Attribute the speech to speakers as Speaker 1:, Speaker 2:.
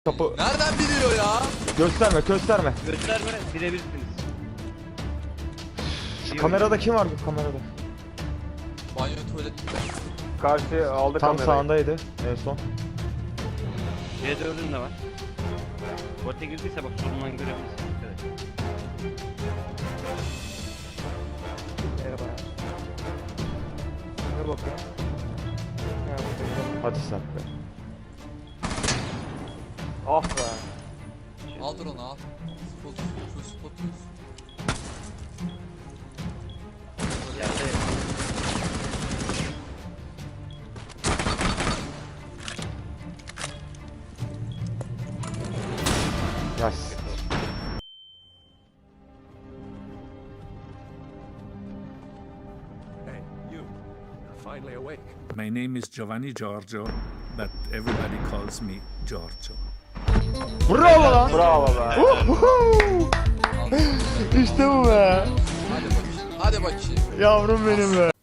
Speaker 1: Kapı
Speaker 2: Nereden biliyor ya?
Speaker 1: gösterme gösterme.
Speaker 3: Gösterme, bilebilirsiniz.
Speaker 1: Şu kamerada kim var bu kamerada?
Speaker 2: Banyo tuvalet.
Speaker 4: Karşı aldı
Speaker 1: Tam
Speaker 4: kamerayı.
Speaker 1: sağındaydı en son.
Speaker 3: C4'ün de var. Bote girdiyse bak solundan görebilirsin. Evet.
Speaker 4: Merhaba. Ne bakıyor? Ha, burada.
Speaker 1: Hadi sen be.
Speaker 4: Ah be.
Speaker 2: Aldır onu al. Spot, spot.
Speaker 3: Yerde
Speaker 1: Yes.
Speaker 5: Hey, you. You're finally awake.
Speaker 6: My name is Giovanni Giorgio, but everybody calls me Giorgio.
Speaker 1: Bravo lan.
Speaker 4: Bravo be.
Speaker 1: İşte bu be.
Speaker 2: Hadi bakayım. Hadi bakayım.
Speaker 1: Yavrum benim be.